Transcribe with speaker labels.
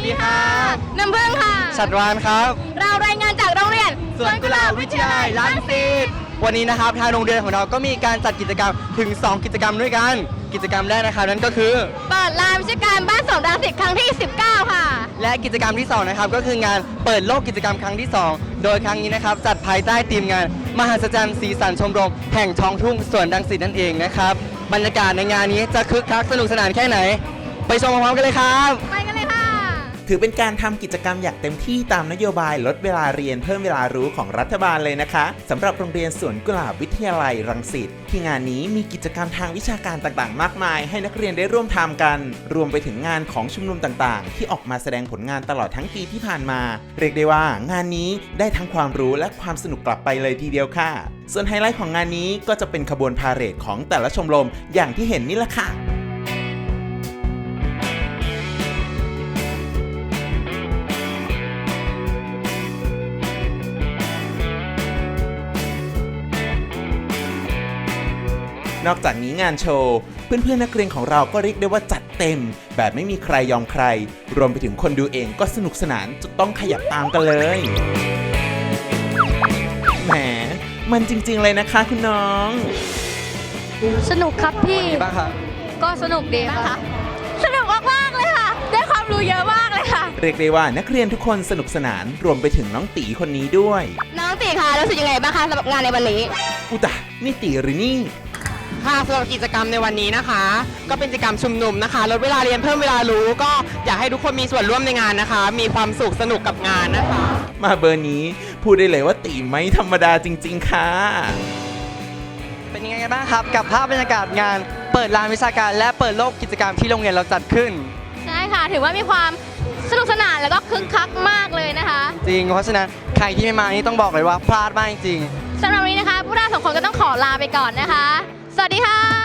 Speaker 1: ดีครับ
Speaker 2: น้ำพึ่งค่ะ
Speaker 1: ชัดวานครับ
Speaker 2: เรารายงานจากโรงเรียน
Speaker 1: สวนกุหลาบวิทยาลัยรังสิตวันนี้นะครับทางโรงเรียนของเราก็มีการจัดกิจกรรมถึง 2 กิจกรรมด้วยกันกิจกรรมแรกนะครับนั่นก็คือ
Speaker 2: เปิดลานวิชาการบ้านสวนรังสิตครั้งที่ 19 ค่ะ
Speaker 1: และกิจกรรมที่2นะครับก็คืองานเปิดโลกกิจกรรมครั้งที่ 2โดยครั้งนี้นะครับจัดภายใต้ทีมงานมหัศจรรย์สีสันชมรมแห่งท้องทุ่งสวนรังสิตนั่นเองนะครับบรรยากาศในงานนี้จะคึกคักสนุกสนานแค่ไหนไปชมพร้อมๆกันเลยครับ
Speaker 2: ไปกันเลยค่ะ
Speaker 3: ถือเป็นการทำกิจกรรมอย่างเต็มที่ตามนโยบายลดเวลาเรียนเพิ่มเวลารู้ของรัฐบาลเลยนะคะสำหรับโรงเรียนสวนกุหลาบวิทยาลัยรังสิตที่งานนี้มีกิจกรรมทางวิชาการต่างๆมากมายให้นักเรียนได้ร่วมทำกันรวมไปถึงงานของชุมนุมต่างๆที่ออกมาแสดงผลงานตลอดทั้งปีที่ผ่านมาเรียกได้ว่างานนี้ได้ทั้งความรู้และความสนุกกลับไปเลยทีเดียวค่ะส่วนไฮไลท์ของงานนี้ก็จะเป็นขบวนพาเหรดของแต่ละชมรมอย่างที่เห็นนี่แหละค่ะนอกจากนี้งานโชว์เพื่อนๆนักเรียนของเราก็เรียกได้ว่าจัดเต็มแบบไม่มีใครยอมใครรวมไปถึงคนดูเองก็สนุกสนานจนต้องขยับตามกันเลยแหมมันจริงๆเลยนะคะคุณน้อง
Speaker 2: สนุกครับพี่
Speaker 1: บ้างครับ
Speaker 2: ก็สนุกดีค่ะสนุกมากๆเลยค่ะได้ความรู้เยอะมากเลยค่ะ
Speaker 3: เรียกได้ว่านักเรียนทุกคนสนุกสนานรวมไปถึงน้องตีคนนี้ด้วย
Speaker 2: น้องตีค่ะรู้สึกยังไงบ้างคะสำหรับงานในวันนี้
Speaker 3: อุตะนี่ตีหรือนี่
Speaker 4: ค่ะสำหรับกิจกรรมในวันนี้นะคะก็เป็นกิจกรรมชุมนุมนะคะลดเวลาเรียนเพิ่มเวลารู้ก็อยากให้ทุกคนมีส่วนร่วมในงานนะคะมีความสุขสนุกกับงานนะคะ
Speaker 3: มาเบอร์นี้พูดได้เลยว่าตีไม่ธรรมดาจริงๆค่ะ
Speaker 1: เป็นยังไงกันบ้างครับกับภาพบรรยากาศงานเปิดลานวิชาการและเปิดโลกกิจกรรมที่โรงเรียนเราจัดขึ้น
Speaker 2: ใช่ค่ะถือว่ามีความสนุกสนานแล้วก็คึกคักมากเลยนะคะ
Speaker 1: จริงเพราะฉะนั้นใครที่ไม่มานี่ต้องบอกเลยว่าพลาดมากจริง
Speaker 2: สำหรับวันนี้นะคะพวกเราสองคนก็ต้องขอลาไปก่อนนะคะสวัสดีค่ะ